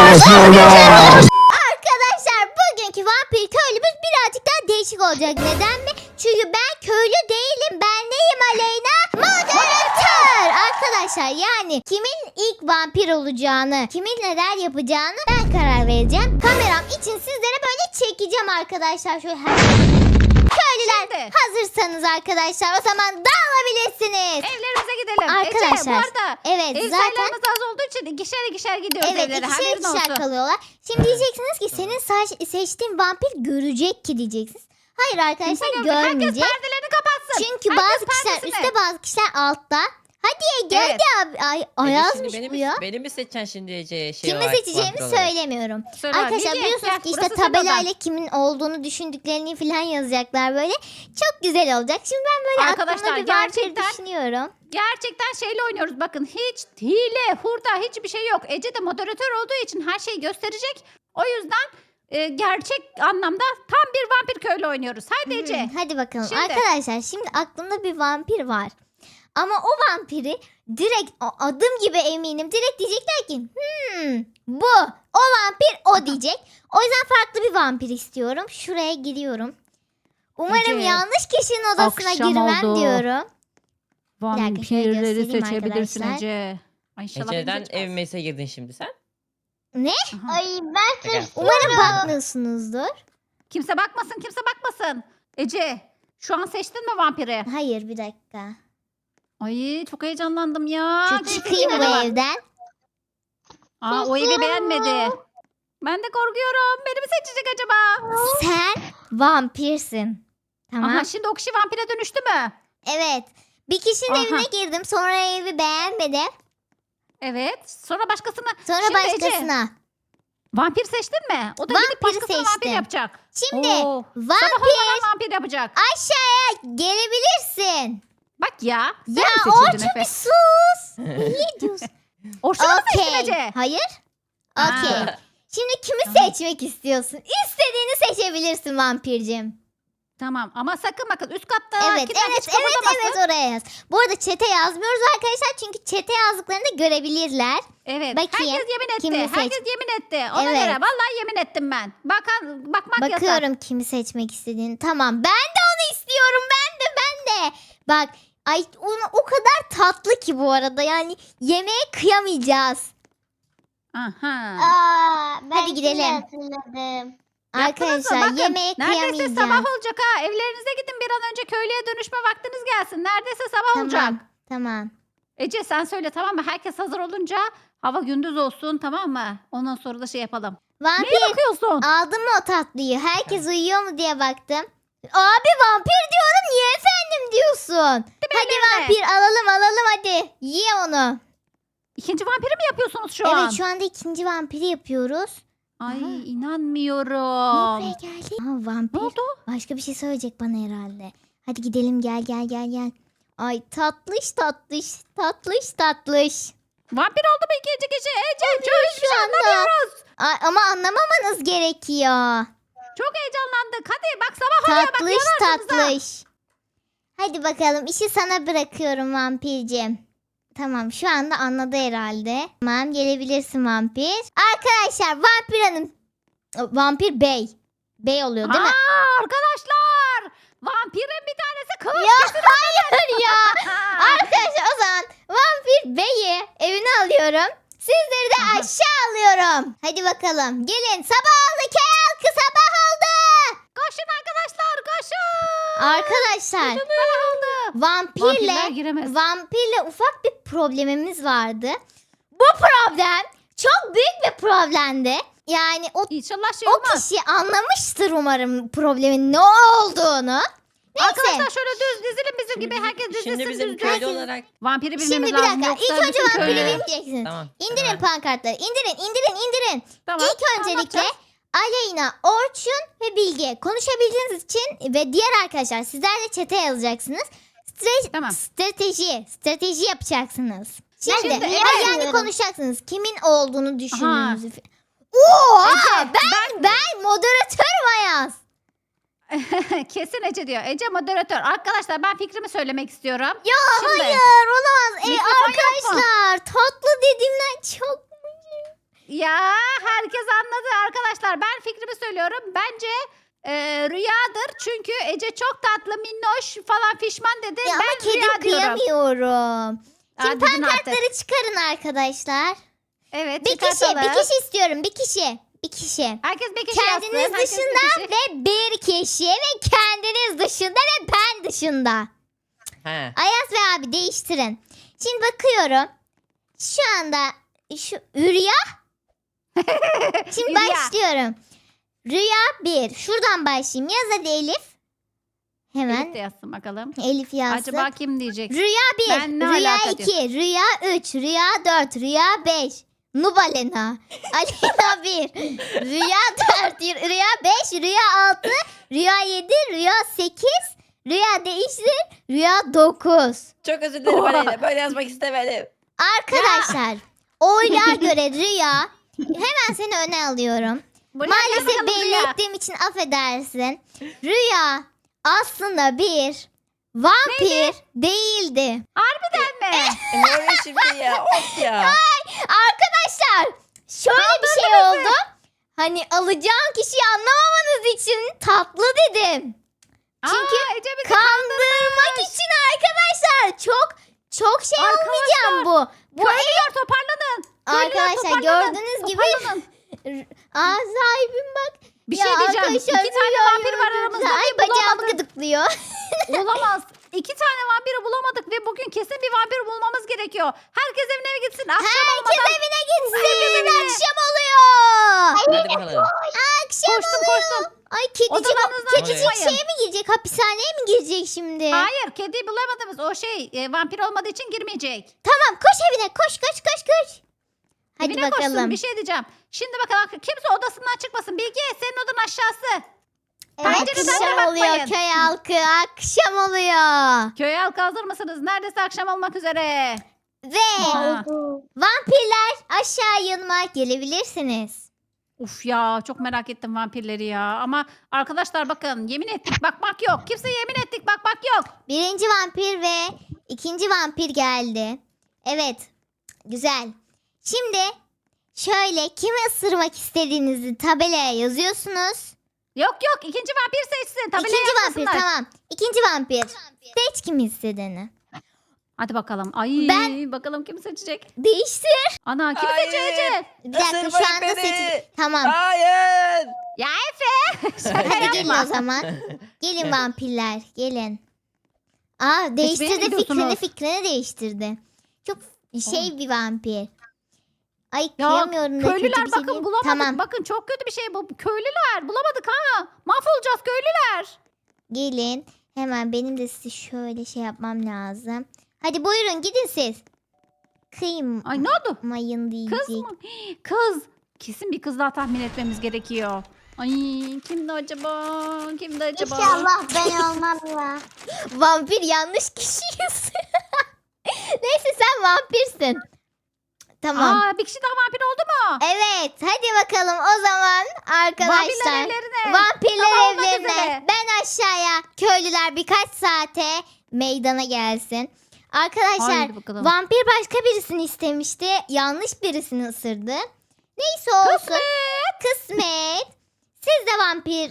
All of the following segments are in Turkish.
Arkadaşlar bugünkü vampir köylümüz birazcık daha değişik olacak. Neden mi? Çünkü ben köylü değilim. Ben neyim Aleyna? Moderatör. Arkadaşlar yani kimin ilk vampir olacağını, kimin neler yapacağını ben karar vereceğim. Kameram için sizlere böyle çekeceğim arkadaşlar. Şöyle Köylüler Şimdi. hazırsanız arkadaşlar o zaman dağılabilirsiniz. Evlerimize gidelim. Arkadaşlar, Ece, bu arada evet, ev zaten- sayılarımız az olduğu için ikişer gidiyoruz Evet evlere. ikişer Haberin ikişer olsun. kalıyorlar. Şimdi diyeceksiniz ki senin seçtiğin vampir görecek ki diyeceksiniz. Hayır arkadaşlar Kimse görmüyor. Herkes görmeyecek. perdelerini kapatsın. Çünkü Herkes bazı kişiler perdesini. üstte bazı kişiler altta. Hadi Ege Evet. hadi abi. Ay, Ayazmış beni bu ya. Beni mi seçeceksin şimdi Ece? Kimi seçeceğimi söylemiyorum. Söyle, Arkadaşlar Bilge, biliyorsunuz gel, ki işte burası senin tabelayla odan. kimin olduğunu düşündüklerini falan yazacaklar böyle. Çok güzel olacak. Şimdi ben böyle Arkadaşlar, aklımda bir vampir gerçekten- düşünüyorum. Gerçekten şeyle oynuyoruz. Bakın hiç hile, hurda hiçbir şey yok. Ece de moderatör olduğu için her şeyi gösterecek. O yüzden gerçek anlamda tam bir vampir köylü oynuyoruz. Haydi Ece. Hadi bakalım. Şimdi. Arkadaşlar şimdi aklımda bir vampir var. Ama o vampiri direkt adım gibi eminim. Direkt diyecekler ki bu o vampir o diyecek. O yüzden farklı bir vampir istiyorum. Şuraya giriyorum. Umarım Ece, yanlış kişinin odasına akşam girmem oldu. diyorum. şöyle Vampirleri göstereyim seçebilirsin arkadaşlar. Ece. Ay inşallah beni Ece'den seçmez. ev mese girdin şimdi sen. Aha. Ay ben Şaka. Umarım bakmıyorsunuzdur. Kimse bakmasın, kimse bakmasın. Ece, şu an seçtin mi vampiri? Hayır bir dakika. Ay çok heyecanlandım ya. Şu Kesin çıkayım bu yine bak. evden. Aa, o evi beğenmedi. Ben de korkuyorum. Beni mi seçecek acaba? Sen vampirsin. Tamam. Aha, şimdi o kişi vampire dönüştü mü? Evet. Bir kişinin Aha. evine girdim. Sonra evi beğenmedim. Evet. Sonra başkasını. Sonra Şimdi Ece, başkasına. vampir seçtin mi? O da Vampiri gidip başkasını vampir seçtim. yapacak. Şimdi Oo, sabah vampir olmadan vampir yapacak. aşağıya gelebilirsin. Bak ya. Sen Ya mi seçildin Orçun Efe? bir sus. Ne diyorsun? Orçun'u mu seçtin Okey. Ece? Hayır. Ha. Okey. Şimdi kimi Tamam. seçmek istiyorsun? İstediğini seçebilirsin vampircim. Tamam ama sakın bakın üst katta Evet, kimler evet, hiç kıpırdamasın. evet oraya yaz. Bu arada çete yazmıyoruz arkadaşlar çünkü çete yazdıklarını görebilirler. Evet. Bakayım, Herkes yemin etti. kimi seç- Herkes yemin etti. Ona Evet. göre vallahi yemin ettim ben. Bakmak yasak. Bakıyorum kimi seçmek istediğini. Tamam ben de onu istiyorum. Ben de. Bak ay o kadar tatlı ki bu arada. Yani yemeğe kıyamayacağız. Aha. ben Hadi gidelim. şimdi hatırladım. Yaptınız mı? Arkadaşlar Bakın, yemeğe neredeyse kıyamayacağız. sabah olacak ha. Evlerinize gidin bir an önce köylüye dönüşme vaktiniz gelsin. Neredeyse sabah olacak. Tamam. Ece sen söyle tamam mı? Herkes hazır olunca hava gündüz olsun tamam mı? Ondan sonra da şey yapalım. Vampir Neye bakıyorsun? aldın mı o tatlıyı? Herkes uyuyor mu diye baktım. Abi vampir diyorum niye efendim diyorsun? Hadi ellerine. vampir alalım hadi. Ye onu. İkinci vampiri mi yapıyorsunuz şu an? Evet şu anda ikinci vampiri yapıyoruz. Ay Aha. Niye inanmıyorum. buraya geldi? Aa, vampir. Ne oldu? Başka bir şey söyleyecek bana herhalde. Hadi gidelim gel. Ay tatlış. Vampir oldu mu ikinci kişi? Ece çok Şu anda. Ay, ama anlamamanız gerekiyor. Çok heyecanlandık. Hadi bak sabah oluyor bak Tatlış yanarsınız ha. tatlış. Hadi bakalım işi sana bırakıyorum vampircim. Tamam şu anda anladı herhalde. Tamam gelebilirsin vampir. Arkadaşlar vampir hanım. Vampir bey. Bey oluyor değil mi? Aa, arkadaşlar. Vampirin bir tanesi kılıç. Ya hayır ya. Arkadaşlar o zaman vampir beyi evine alıyorum. Sizleri de Aha. aşağı alıyorum. Hadi bakalım gelin sabah oldu köy halkı sabah oldu. Koşun arkadaşlar koşun. Arkadaşlar Sabah oldu. vampirle Vampirler giremez. vampirle ufak bir problemimiz vardı. Bu problem çok büyük bir problemdi. Yani İnşallah şey o olmaz. kişi anlamıştır umarım problemin ne olduğunu. Neyse. Arkadaşlar şöyle düz dizilin bizim gibi. Herkes dizilsin Şimdi bizim düz köylü düz. olarak Vampiri bilmemiz Şimdi bir lazım. dakika. Yoksa İlk önce bütün vampiri köylü- bilmeyeceksiniz. tamam. İndirin tamam. pankartları. İndirin. Tamam. İlk öncelikle anlatacağız. Aleyna, Orçun ve Bilge konuşabildiğiniz için ve diğer arkadaşlar sizler de çete yazacaksınız. Tamam. Strateji yapacaksınız. Şimdi, Şimdi, yani evet. konuşacaksınız. Kimin olduğunu düşündüğünüzü. Ece, Oha! Ben moderatörüm Ayaz. Kesin Ece diyor. Ece moderatör. Arkadaşlar ben fikrimi söylemek istiyorum. Ya Şimdi, hayır olamaz. mikrofon yok mu? Arkadaşlar tatlı dediğimden çok Ya herkes anladı arkadaşlar. Ben fikrimi söylüyorum. Bence rüyadır. Çünkü Ece çok tatlı, minnoş falan fişman dedi. Ya ama ben kedim rüya diyorum. kıyamıyorum. Şimdi Dedin artık. pankartları çıkarın arkadaşlar. Evet, Bir kişi çıkartalım. istiyorum. Bir kişi. Herkes bir kişi Kendiniz yazsın. Herkes bir dışında kişi. ve bir kişi ve kendiniz dışında ve ben dışında. Ha. Ayaz ve abi değiştirin. Şimdi bakıyorum. Şu anda şu Rüya. Şimdi Rüya. başlıyorum. Rüya 1. Şuradan başlayayım. Yaz hadi Elif. Hemen Elif de yazsın bakalım. Elif yazsın. Acaba kim diyecek? Rüya 1, Ben ne Rüya alaka 2, Rüya 3, Rüya 4, Rüya 5. Nubalena. Alena 1. Rüya 4, Rüya 5, Rüya 6, Rüya 7, Rüya 8, Rüya değiştir, Rüya 9. Çok özür dilerim Aleyna. Böyle yazmak istemedim. Arkadaşlar oylar göre Rüya, hemen seni öne alıyorum. Buraya gel Maalesef bakalım belli Rüya. ettiğim için affedersin. Rüya aslında bir vampir değildi. Harbiden mi? Ne oluyor şimdi ya? Of ya. Arkadaşlar şöyle bir şey oldu. Hani alacağım kişiyi anlamamanız için tatlı dedim. Çünkü Aa, Ece bizi kandırmak için arkadaşlar çok şey olmayacağım bu. Bu Köylüler toparlanın. Köylüler arkadaşlar toparlanın. gördüğünüz gibi Toparlanın. sahibim bak. Bir Ya şey diyeceğim. arkadaşlar, İki tane rüyayı vampir var öldürdüler. aramızda Ay ve bacağımı bulamadık. gıdıklıyor. Olamaz. 2 tane vampiri bulamadık ve bugün kesin bir vampir bulmamız gerekiyor. Herkes evine gitsin. Akşam Herkes olmadan. evine gitsin. evine. Akşam oluyor. Hadi bakalım. Akşam Koştum, oluyor. koştum. Ay kedicik, Odalarınızdan kedicik çıkmayın. şeye mi girecek? Hapishaneye mi girecek şimdi? Hayır, kediyi bulamadınız. O vampir olmadığı için girmeyecek. Tamam koş evine. Koş. Hadi Evine bakalım. koşsun. Bir şey diyeceğim. Şimdi bakalım kimse odasından çıkmasın. Bilge, senin odan aşağısı. Pencereden de Akşam oluyor bakmayın. köy halkı. Akşam oluyor. Köy halkı hazır mısınız? Neredeyse akşam olmak üzere. Ve Aa. vampirler aşağı yanıma gelebilirsiniz. Uf ya, çok merak ettim vampirleri ya. Ama arkadaşlar bakın, yemin ettik bakmak yok. Kimse yemin ettik bakmak yok. Birinci vampir ve ikinci vampir geldi. Evet. Güzel. Şimdi şöyle kimi ısırmak istediğinizi tabelaya yazıyorsunuz. Yok ikinci vampir seçsin. Tabelaya İkinci vampir yazmasınlar. tamam. İkinci vampir. Seç kimi istediğini. Hadi bakalım. Ay bakalım kim seçecek. Değiştir. Ana kim Hayır. seçiyor Ece? Bir dakika şu Isırmayın anda beni. seçin. Tamam. Hayır. Ya Efe. Şaka Hadi gelin yapma. o zaman. Gelin vampirler. Gelin. Aa değiştirdi gidiyorsunuz? fikrini değiştirdi. Çok şey bir vampir. Ay Ya kıyamıyorum da kötü köylüler bir şey bakın değil. bulamadık. Tamam Bakın çok kötü bir şey bu. Köylüler bulamadık ha. Mahvolacağız köylüler. gelin. Hemen benim de size şöyle şey yapmam lazım. Hadi buyurun gidin siz. Kıymayın Ay ne oldu? diyecek. Kız mı? Kız. Kesin bir kız daha tahmin etmemiz gerekiyor. Ay kimdi acaba? Kimdi acaba? İnşallah ben olmam ya. Vampir yanlış kişiyiz. Neyse sen vampirsin. Tamam. Aa, bir kişi daha vampir oldu mu? Evet hadi bakalım o zaman Vampirler arkadaşlar. evlerine. Vampirler Sabah olmak evlerine. üzere. Ben aşağıya. Köylüler birkaç saate meydana gelsin. Arkadaşlar Haydi bakalım. vampir başka birisini istemişti. Yanlış birisini ısırdı. Neyse olsun. Kısmet. Siz de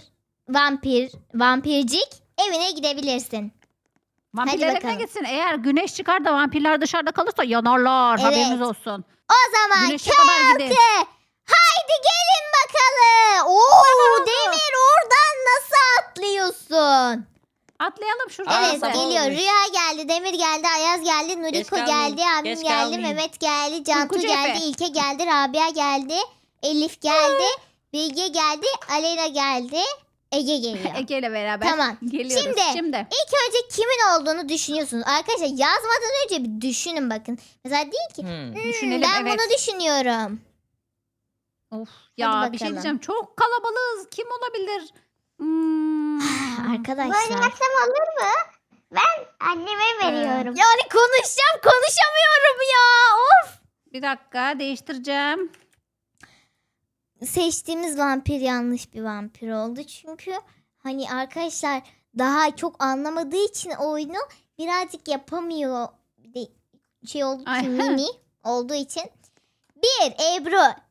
vampircik evine gidebilirsin. Vampirler evine bakalım. gitsin. Eğer güneş çıkar da vampirler dışarıda kalırsa yanarlar. Evet. Haberiniz olsun. O zaman Güneşe köy kadar gidin. halkı. Haydi gelin bakalım. Oo, oldu? Demir oradan nasıl atlıyorsun? Atlayalım şuradan. Aa, Evet sabah geliyor. olmuş. Rüya geldi, Demir geldi, Ayaz geldi, Nuriko kalmayın, geldi, abim geç geldi, kalmayın. Mehmet geldi, Cantu Uykucu geldi, Efe. İlke geldi, Rabia geldi, Elif geldi, Bilge geldi, Aleyna geldi, Ege geliyor. Ege ile beraber. Tamam. Geliyoruz. Şimdi. İlk önce kimin olduğunu düşünüyorsunuz. Arkadaşlar yazmadan önce bir düşünün bakın. Mesela değil ki Düşünelim, ben evet. bunu düşünüyorum. Of ya Hadi bir şey bakalım. diyeceğim. Çok kalabalığız. Kim olabilir? Böyle Arkadaşlar. yapsam olur mu? Ben anneme veriyorum. Yani konuşamıyorum ya. Of. Bir dakika değiştireceğim. Seçtiğimiz vampir yanlış bir vampir oldu. Çünkü hani arkadaşlar daha çok anlamadığı için oyunu birazcık yapamıyor. Bir de şey olduğu için Ay. mini olduğu için. 1 Ebru,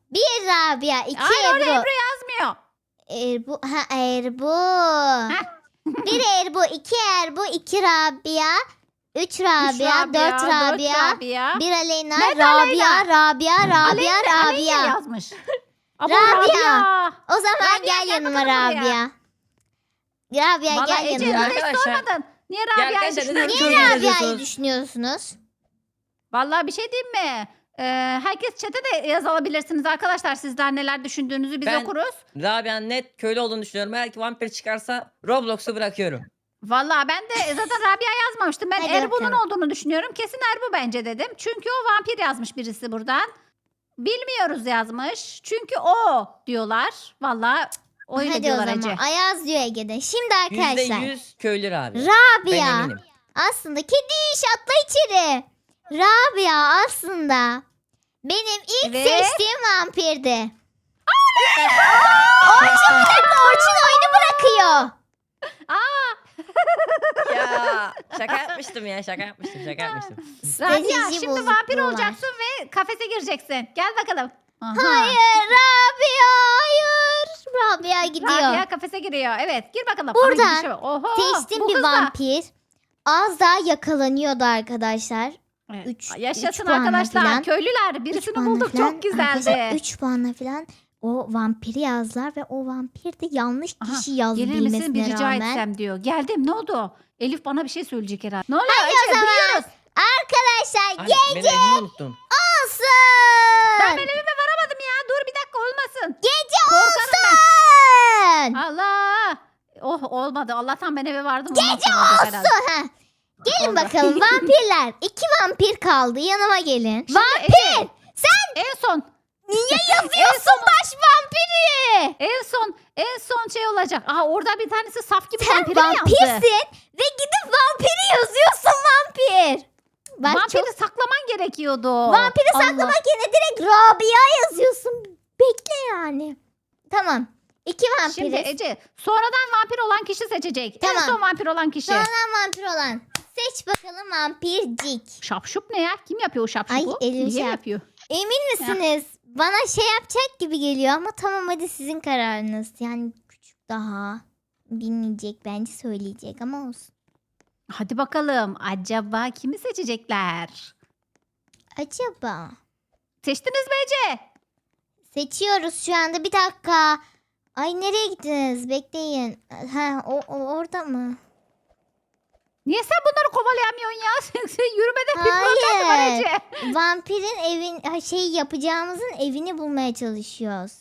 1 Rabia, 2 Hayır orada Ebru. Ebru yazmıyor. Erbu. Ha Erbu. Heh. 1 Erbu, 2 Erbu, 2 Rabia, 3 Üç Rabia, 4 dört Rabia, Rabia. 1 Aleyna, Nerede Rabia, Aleyna? Rabia, Rabia, Aleyna Rabia. yazmış. Ama Rabia. O zaman Rabia, gel gel yanıma bakalım buraya. Rabia. Rabia Valla gel Ece yanıma. hiç Arkadaşlar. sormadın. Niye Rabia'yı arkadaşlar, neden düşünüyorsun? köylü Niye Rabia'yı yazıyorsunuz? düşünüyorsunuz? Valla bir şey diyeyim mi? Herkes chat'e de yazabilirsiniz arkadaşlar. Sizler neler düşündüğünüzü biz Ben- okuruz. Rabia'nın net köylü olduğunu düşünüyorum. Eğer ki vampir çıkarsa Roblox'u bırakıyorum. Valla ben de zaten Rabia yazmamıştım. Ben Hadi Erbu'nun bakalım. olduğunu düşünüyorum. Kesin Erbu bence dedim. Çünkü o vampir yazmış birisi buradan. Bilmiyoruz yazmış. Çünkü o diyorlar. Valla öyle Hadi o diyorlar zaman. Ece. Ayaz diyor Ege'de. Şimdi arkadaşlar. %100 köylü Rabia. Ben Rabia eminim. aslında kedi iş atla içeri. Rabia aslında benim ilk Evet. seçtiğim vampirdi. Orçun bir dakika, Orçun oyunu bırakıyor. Aa, Ya şaka yapmıştım ya şaka yapmıştım. Rabia Strateji şimdi vampir bozukluğu var. olacaksın ve kafese gireceksin. Gel bakalım. Aha. Hayır Rabia hayır. Rabia gidiyor. Rabia kafese giriyor. Evet gir bakalım. Burada Aha, gidişe bak. Oho, Seçtim bu bir kız da- vampir. Az daha yakalanıyordu arkadaşlar. Evet. Üç Yaşasın puanla arkadaşlar. falan. Köylüler birisini bulduk. Çok güzeldi. 3 puanla falan o vampiri yazdılar ve o vampir de yanlış Aha, kişi yazdı Gelir misin bir bilmesine rica rağmen. etsem diyor. Geldim ne oldu? Elif bana bir şey söyleyecek herhalde. Ne oluyor Hadi Ece? o zaman. Duyuyoruz. Arkadaşlar Anne ben evimi unuttum. Ben olsun. evime varamadım ya. Dur bir dakika olmasın. Gece Korkarım olsun. Allah. Oh olmadı. Allah'tan ben eve vardım. Gece olsun. olsun. Ha. Gelin Oldu. bakalım vampirler. 2 vampir kaldı, yanıma gelin. Şimdi Vampir. Ece, en son. Niye yazıyorsun baş vampiri? En son şey olacak. Aa orada bir tanesi saf gibi Sen vampire mi yazdı? vampirsin ve gidip vampiri yazıyorsun vampir. Bak Vampiri çok... saklaman gerekiyordu. Vampiri Allah. saklamak yerine direkt Rabia yazıyorsun. Bekle yani. Tamam. 2 vampiriz. Şimdi Ece sonradan vampir olan kişi seçecek. Tamam. En son vampir olan kişi. Sonradan vampir olan. Seç bakalım vampircik. Şapşup ne ya? Kim yapıyor o şapşupu? Ay, elim Niye şey yap- yapıyor? Emin misiniz? Bana şey yapacak gibi geliyor ama tamam hadi sizin kararınız. Yani küçük daha. Bilmeyecek bence söyleyecek ama olsun. Hadi bakalım. Acaba kimi seçecekler? Acaba? Seçtiniz mi Ece? Seçiyoruz şu anda, bir dakika. Ay nereye gittiniz? Bekleyin. Ha o orada mı? Niye sen bunları kovalayamıyorsun ya? Sen yürümede bir problem var Hayır. Ece. Vampirin yapacağımızın evini bulmaya çalışıyoruz.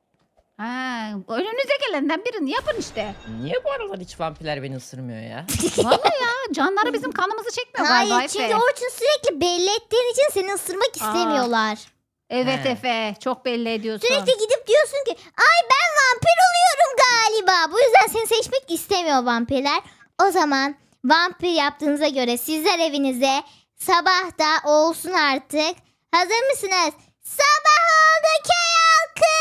Ha, önünüze gelenden birini yapın işte. Niye bu aralar hiç vampirler beni ısırmıyor ya? Vallahi ya canları bizim kanımızı çekmiyor galiba Hayır Efe. çünkü Orçun sürekli belli ettiğin için seni ısırmak istemiyorlar. Evet He. Efe çok belli ediyorsun. Sürekli gidip diyorsun ki ay ben vampir oluyorum galiba. Bu yüzden seni seçmek istemiyor vampirler. O zaman vampir yaptığınıza göre sizler evinize, sabah da olsun artık. Hazır mısınız? Sabah oldu köy halkı.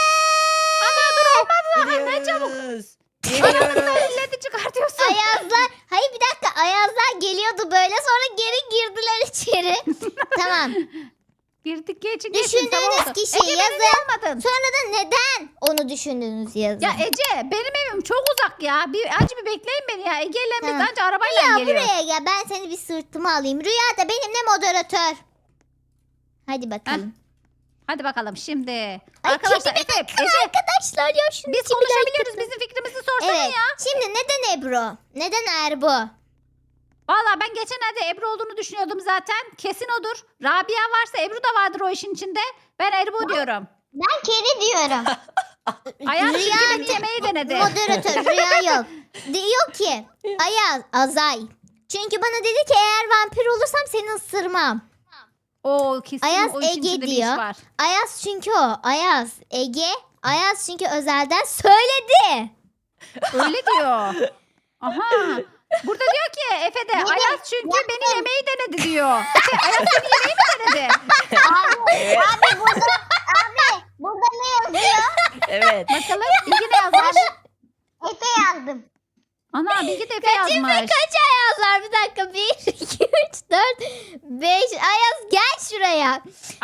Ne çabuk. Gidiyoruz. Milleti çıkartıyorsun. Ayazlar, hayır bir dakika, Ayazlar geliyordu böyle sonra geri girdiler içeri. Tamam. Girdik geçin. Düşündüğünüz kişiyi Ece beni yazın. niye almadın? Sonra da neden onu düşündüğünüz yazın. Ya Ece benim evim çok uzak ya. Acı bir bekleyin beni ya. Ege ile biz Tamam. anca arabayla Rüya geliyoruz. buraya gel, ben seni bir sırtıma alayım. Rüya da benimle moderatör. Hadi bakalım. Hadi bakalım şimdi. Ay, Arkadaşlar kedime Efe, bakın Ece arkadaşlar ya şunu biz konuşabiliyoruz. Bizim fikrimizi sorsana Evet. ya. Şimdi neden Ebru? Neden Erbu? Valla ben geçenlerde Ebru olduğunu düşünüyordum zaten. Kesin odur. Rabia varsa Ebru da vardır o işin içinde. Ben Ebru diyorum. Ben kedi diyorum. Ayaz Rüya çünkü beni yemeği denedi. moderatör Rüya yok. Diyor ki Ayaz, Azay. Çünkü bana dedi ki eğer vampir olursam seni ısırmam. O kesin Ayaz o işin Ege içinde bir iş diyor. var. Ayaz çünkü o. Ayaz Ege. Ayaz çünkü özelden söyledi. Öyle diyor. Aha. Burada diyor ki Efe de Ayaz çünkü beni yemeği denedi diyor. Efe, Ayaz seni yemeği mi denedi? Abi burada ne yazıyor? Evet. Bakalım Bilgi ne yazmış? Efe yazdım. Ana Bilgi de Efe Kaçıncı yazmış. kaç Ayazlar? Bir dakika. 1, 2, 3, 4, 5. Ayaz gel şuraya.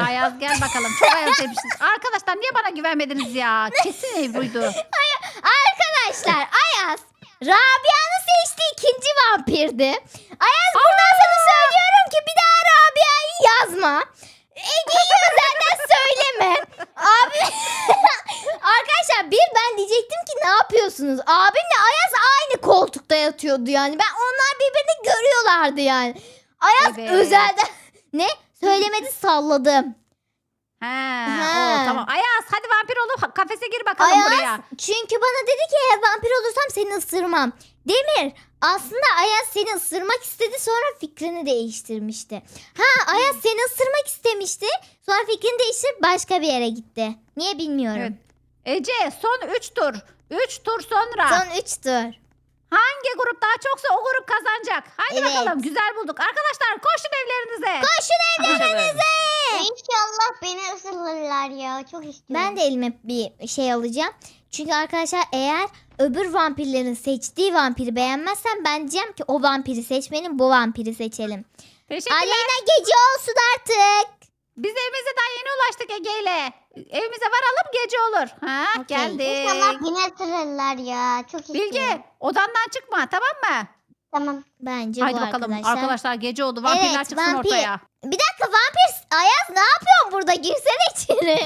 Ayaz gel bakalım. Çok Ayaz demişsiniz. Arkadaşlar niye bana güvenmediniz ya? Kesin Ebru'ydu. Arkadaşlar Ayaz Rabia'nın seçtiği ikinci vampirdi. Ayaz buradan sana söylüyorum ki bir daha Rabia'yı yazma. Ege'yi özelden söyleme. Abi arkadaşlar ben diyecektim ki ne yapıyorsunuz? Abimle Ayaz aynı koltukta yatıyordu yani. Onlar birbirini görüyorlardı yani. Ayaz Evet. özelden ne? Söylemedi salladım. Ha, Ha. tamam. Ayaz hadi vampir olup kafese gir bakalım Ayaz buraya. çünkü bana dedi ki eğer vampir olursam seni ısırmam. Demir aslında Ayaz seni ısırmak istedi sonra fikrini değiştirmişti. Ha Ayaz seni ısırmak istemişti sonra fikrini değiştirip başka bir yere gitti. Niye bilmiyorum. Evet. Ece son 3 tur. 3 tur sonra. Son 3 tur. Hangi grup daha çoksa o grup kazanacak. Hadi Evet. bakalım güzel bulduk. Arkadaşlar koşun evlerinize. Koşun evlerinize. İnşallah beni ısırırlar ya. Çok istiyorum. Ben de elime bir şey alacağım. Çünkü arkadaşlar eğer öbür vampirlerin seçtiği vampiri beğenmezsem ben diyeceğim ki o vampiri seçmeyelim bu vampiri seçelim. Teşekkürler. Aleyna gece olsun artık. Biz evimize daha yeni ulaştık Ege ile. Evimize varalım gece olur. Ha Okey. geldik. İnşallah beni ısırırlar ya. Çok istiyorum. Bilge odandan çıkma tamam mı? Tamam. Bence Haydi bu bakalım arkadaşlar. arkadaşlar gece oldu. Vampirler Evet, çıksın vampir. ortaya. Bir dakika vampir Ayaz ne yapıyorsun burada? Girsene içeri.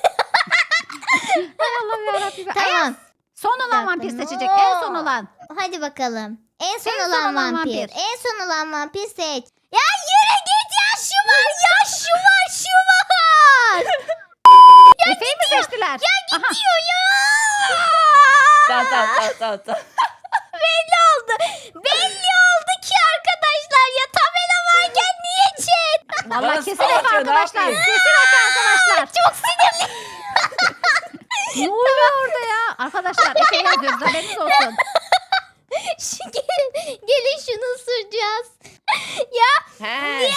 Hay Allah'ım yarabbim. Ayaz, Tamam. son Bir olan dakika, vampir ne seçecek. o? En son olan. Hadi bakalım. En son En son olan olan vampir. vampir. En son olan vampir seç. Ya yürü git ya şu var ya şu var şu var. Efe'yi mi seçtiler? Ya Diyor ya. Tamam. Belli oldu. Belli oldu ki arkadaşlar ya tabela varken niye chat? Vallahi Bana kesin salça, Efe ne arkadaşlar. yapayım? Kesin Efe arkadaşlar. Çok sinirli. Ne oluyor orada ya? Arkadaşlar Efe yazıyoruz haberiniz olsun. Gelin şunu ısıracağız. Ya He.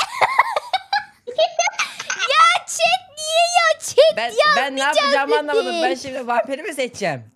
ya chat niye ya chat Ben ne yapacağımı dedi. anlamadım. Ben şimdi vampiri mi seçeceğim?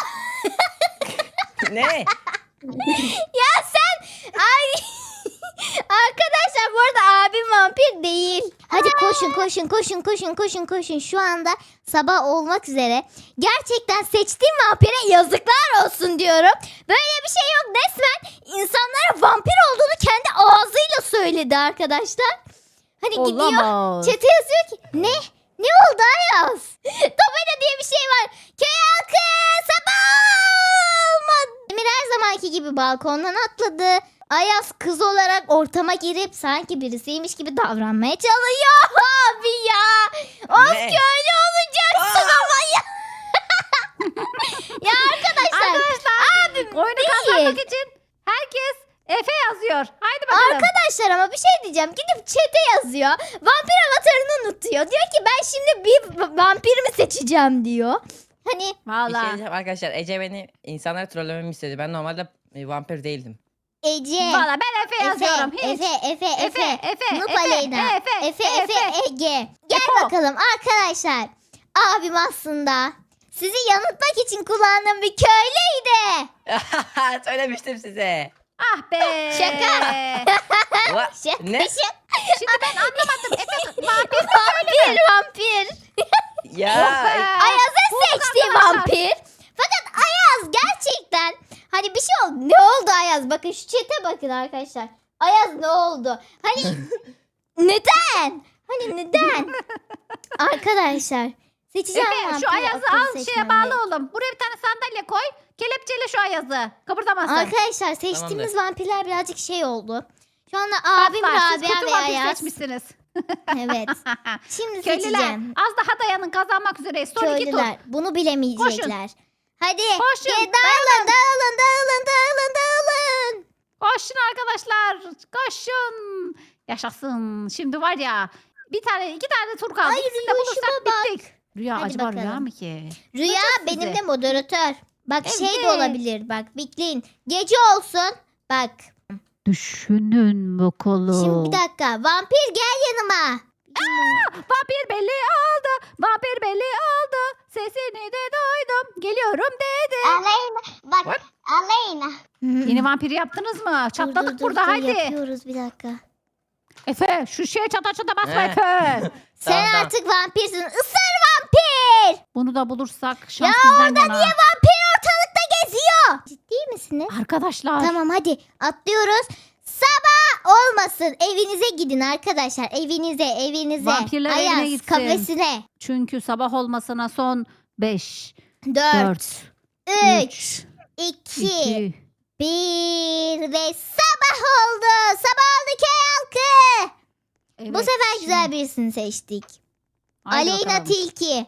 Ne? Ya sen ay arkadaşlar bu arada abim vampir değil. Hadi koşun. Şu anda sabah olmak üzere. Gerçekten seçtiğim vampire yazıklar olsun diyorum. Böyle bir şey yok. Resmen insanlara vampir olduğunu kendi ağzıyla söyledi arkadaşlar. Hani gidiyor Olamaz. çete yazıyor ki ne? Ne oldu Ayaz? Tabela diye bir şey var. Köy halkı sabah olmadı. Emir her zamanki gibi balkondan atladı. Ayaz kız olarak ortama girip sanki birisiymiş gibi davranmaya çalışıyor. Abi ya. Of Ne? köylü olacaksın ama ya. Ya arkadaşlar. Abim Oyunu değil. kazanmak için herkes Efe yazıyor. Haydi bakalım. Arkadaşlar ama bir şey diyeceğim. Gidip chat'e yazıyor. Vampir avatarını unutuyor. Diyor ki ben şimdi bir vampir mi seçeceğim diyor. Hani Bir şey Vallahi. diyeceğim arkadaşlar. Ece beni insanlara trollememi istedi. Ben normalde vampir değildim. Ece. Vallahi ben Efe yazıyorum. Hiç. Efe. Nup Efe, Aleyna. Efe, Efe, Ege. Gel Eko. bakalım arkadaşlar. Abim aslında sizi yanıltmak için kullandığım bir köylüydü. Söylemiştim size. Ah be. Şaka. Ne? Şimdi ben anlamadım. Efe vampir. Vampir. Ya. Ayaz'ın Bulduk seçtiği arkadaşlar. vampir. Fakat Ayaz gerçekten hani bir şey oldu. Ne oldu Ayaz? Bakın şu chat'e bakın arkadaşlar. Ayaz ne oldu? Hani neden? Hani neden? Arkadaşlar seçeceğim Efe vampiri. şu Ayaz'ı akıllı al şeye seçmem bağlı gerek. oğlum. Buraya bir tane sandalye koy. Kelepçeyle şu Ayaz'ı. Kıpırdamasın. Arkadaşlar seçtiğimiz vampirler birazcık şey oldu. Şu anda abim Asla, siz Rabia kötü ve vampir Ayaz. seçmişsiniz. Evet. Şimdi Köylüler seçeceğim. az daha dayanın kazanmak üzereyiz. Son 2 tur. Köylüler bunu bilemeyecekler. Hadi Koşun, dağılın. Koşun arkadaşlar. Koşun. Yaşasın. Şimdi var ya bir tane 2 tane tur kaldı. Ay, İkisini de Rüya, bulursak şuna bak. bittik. Rüya Hadi acaba bakalım. rüya mı ki? Rüya Bulacağız benim sizi. de moderatör. Bak şey de Evet. olabilir bak bekleyin. Gece olsun. Bak Düşünün bakalım. şimdi bir dakika. Vampir gel yanıma. Vampir belli oldu. Vampir belli oldu. Sesini de duydum. Geliyorum dedi. Aleyna. Bak What? Aleyna. Yeni vampiri yaptınız mı? Çatladık Dur, burada haydi. Yapıyoruz bir dakika. Efe şu şeye çata çata basma He. Efe. Sen Tamam. artık vampirsin. Isır vampir. Bunu da bulursak Ya şans bizden orada yana. niye vampir ortalıkta geziyor? Ciddi misiniz? Arkadaşlar. Tamam hadi atlıyoruz. Sabah olmasın. Evinize gidin arkadaşlar. Evinize. Vampirler evine Ayaz gitsin. kafesine. Çünkü sabah olmasına son 5, 4, 4, 3, 2, 2. 1 ve sabah oldu. Sabah oldu köy halkı. Bu sefer güzel birisini seçtik. Aleyna Tilki.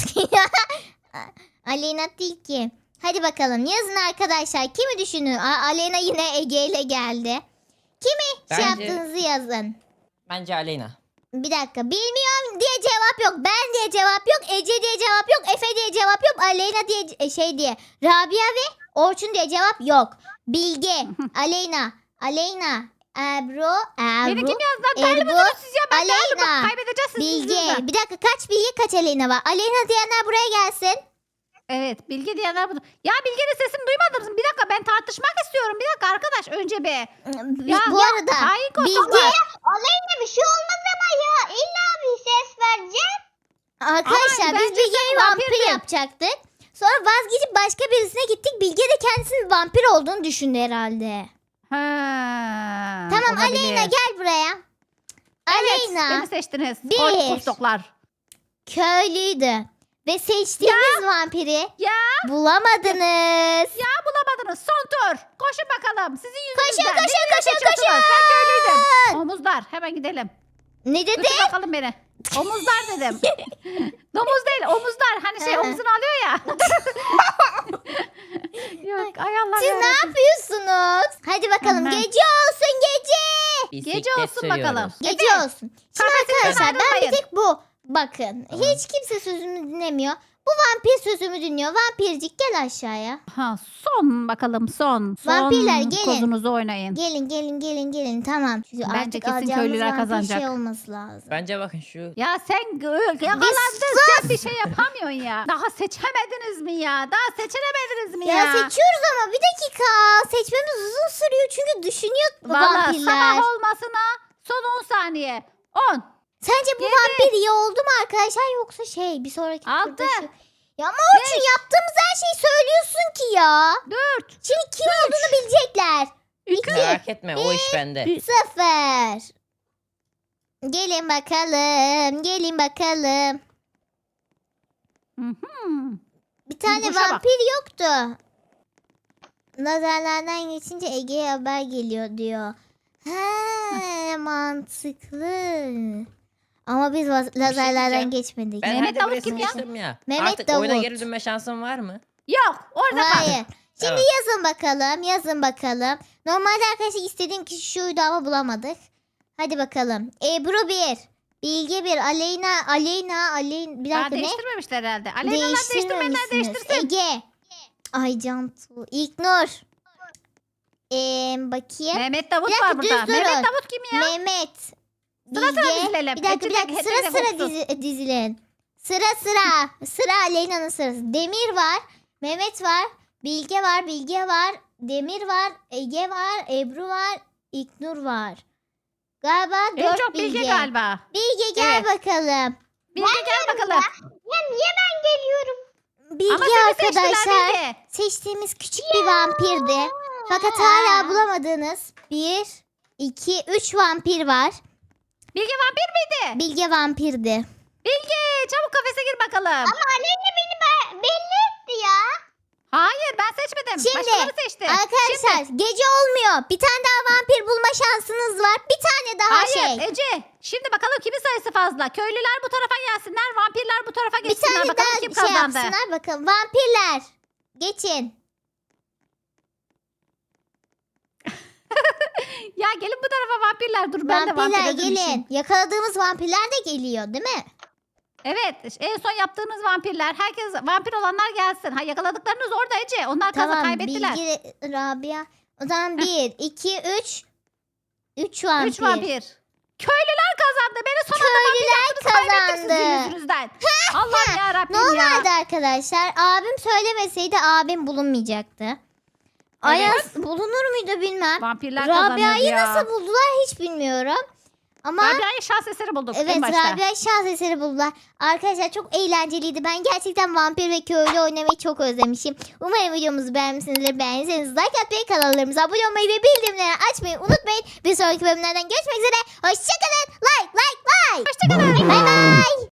Aleyna Tilki. Hadi bakalım yazın arkadaşlar. Kimi düşünün? Aleyna yine Ege ile geldi. Kimi Bence- yaptığınızı yazın. Bence Aleyna. Bir dakika. Bilmiyorum diye cevap yok. Ben diye cevap yok. Ece diye cevap yok. Efe diye cevap yok. Aleyna diye şey diye. Rabia ve Orçun diye cevap yok. Bilge, Aleyna, Ebru, Beni kim yazdı? Değerli Ebru, misiniz siz ya? Ben değerli Aleyna, bak kaybedeceğiz siz Bilge. yüzünüzden. Bir dakika kaç Bilge kaç Aleyna var? Aleyna diyenler buraya gelsin. Evet Bilge diyenler bunu. Ya Bilge'nin sesini duymadınız mı? Bir dakika ben tartışmak istiyorum. Bir dakika arkadaş önce bir. Bu arada hain Bilge kostümler. Aleyna bir şey olmaz ama ya. İlla bir ses vereceğim. arkadaşlar Ama biz bence Bilge'yi sen vampir vampirdin. yapacaktık. Sonra vazgeçip başka birisine gittik. Bilge de kendisinin vampir olduğunu düşündü herhalde. Ha, Tamam olabilir. Aleyna gel buraya. Evet, Aleyna beni seçtiniz. Bir. Kostoklar. köylüydü. Ve seçtiğimiz vampiri Ya. bulamadınız. Ya bulamadınız. Son tur. Koşun bakalım. Sizin yüzünüzden. Koşun, Beni koşun, seçiyorsunuz. koşun. Ben köylüydüm. Omuzlar. Hemen gidelim. Ne dedi? Götür bakalım beni. Omuzlar dedim. Domuz değil omuzlar. Hani şey Ha. omzunu alıyor ya. Yok ay Allah Siz ne yarabbim. yapıyorsunuz? Hadi bakalım Aha. gece olsun gece. Bisiklet olsun sürüyoruz. bakalım. Gece Efe, olsun. Şimdi kafesten arkadaşlar ben bir ayrılmayın. tek bu. Bakın Tamam. hiç kimse sözümü dinlemiyor. Bu vampir sözümü dinliyor. Vampircik gel aşağıya. Ha, son bakalım son. Son Vampirler, gelin. kozunuzu oynayın. Gelin tamam. Çünkü Bence artık kesin alacağımız köylüler vampir kazanacak. şey olması lazım. Bence bakın şu. Ya sen yakalandın. Sen bir şey yapamıyorsun ya. Daha seçemediniz mi ya? Daha seçemediniz mi ya? Ya seçiyoruz ama bir dakika. Seçmemiz uzun sürüyor çünkü düşünüyor Valla vampirler. sabah olmasına son 10 saniye. 10. Sence bu Yedi. vampir iyi oldu mu arkadaşlar yoksa şey bir sonraki Altı. turda şu... Ya ama Orçun yaptığımız her şeyi söylüyorsun ki ya. 4. Şimdi kim olduğunu bilecekler. 2. Merak etme o iş bende. 0. Gelin bakalım. Bir tane Boşa bak. vampir yoktu. Nazarlardan geçince Ege'ye haber geliyor diyor. He mantıklı. Ama biz lazerlerden diyeceğim. geçmedik. Ben Mehmet her Davut birisini kim ya? geçtim ya. Mehmet Artık oyuna Davut. geri dönme şansım var mı? Yok orada kal. Hayır. Şimdi Evet. yazın bakalım. Normalde arkadaşlar istediğim kişi şuydu ama bulamadık. Hadi bakalım. Ebru 1. Bilge 1. Aleyna. Bir Daha dakika ne? değiştirmemişler herhalde. Aleyna'lar değiştirmeyenler Değiştirmemişsiniz. değiştirsin. Ege. Ay Cantu. İlknur. Bakayım. Mehmet Davut Bir dakika, var burada. düz durun. Mehmet Davut kim ya? Mehmet. Sıra sıra Bilge. dizilelim. Bir dakika Hepinize sıra vursun. dizilin. Sıra Aleyna'nın sırası. Demir var. Mehmet var. Bilge var. Demir var. Ege var. Ebru var. İknur var. Galiba En 4 çok Bilge galiba. Bilge gel Evet. bakalım. Bilge gel bakalım. Ya niye ben geliyorum? Bilge Ama seni seçtiler arkadaşlar Bilge. seçtiğimiz küçük bir vampirdi. Fakat hala bulamadığınız 1, 2, 3 vampir var. Bilge vampir miydi? Bilge vampirdi. Bilge çabuk kafese gir bakalım. Ama Aleyna beni belli etti ya. Hayır ben seçmedim. Şimdi, Başkaları seçti. Arkadaşlar gece olmuyor. Bir tane daha vampir bulma şansınız var. Bir tane daha Hayır şey. Ece. Şimdi bakalım kimin sayısı fazla. Köylüler bu tarafa gelsinler. Vampirler bu tarafa Bir geçsinler. tane Bakalım daha kim şey kazandı. yapsınlar bakalım. Vampirler. Geçin. Ya gelin bu tarafa vampirler. Dur ben de vampir Vampirler özüm için. gelin. Yakaladığımız vampirler de geliyor değil mi? Evet en son yaptığınız vampirler. Herkes vampir olanlar gelsin. Ha yakaladıklarınız orada Ece. Onlar Tamam. kaybettiler. Bilgi, Rabia. O zaman 1, 2, 3. 3 vampir. 3 vampir. Köylüler kazandı. Beni son anda Köylüler kaybettiniz kazandı. sizin yüzünüzden. Allah'ım yarabbim ya. Normalde arkadaşlar abim söylemeseydi abim bulunmayacaktı. Ayaz bulunur muydu bilmem. Vampirler kazanıyor Rabia'yı ya. nasıl buldular hiç bilmiyorum. Ama Rabia'yı şans eseri bulduk evet, en başta. Rabia şans eseri buldular. Arkadaşlar çok eğlenceliydi. Ben gerçekten vampir ve köylü oynamayı çok özlemişim. Umarım videomuzu beğenmişsinizdir. Beğendiyseniz like atmayı, kanallarımıza abone olmayı ve bildirimleri açmayı unutmayın. Bir sonraki bölümlerden görüşmek üzere. Hoşçakalın. Like. Hoşçakalın. Bay bay.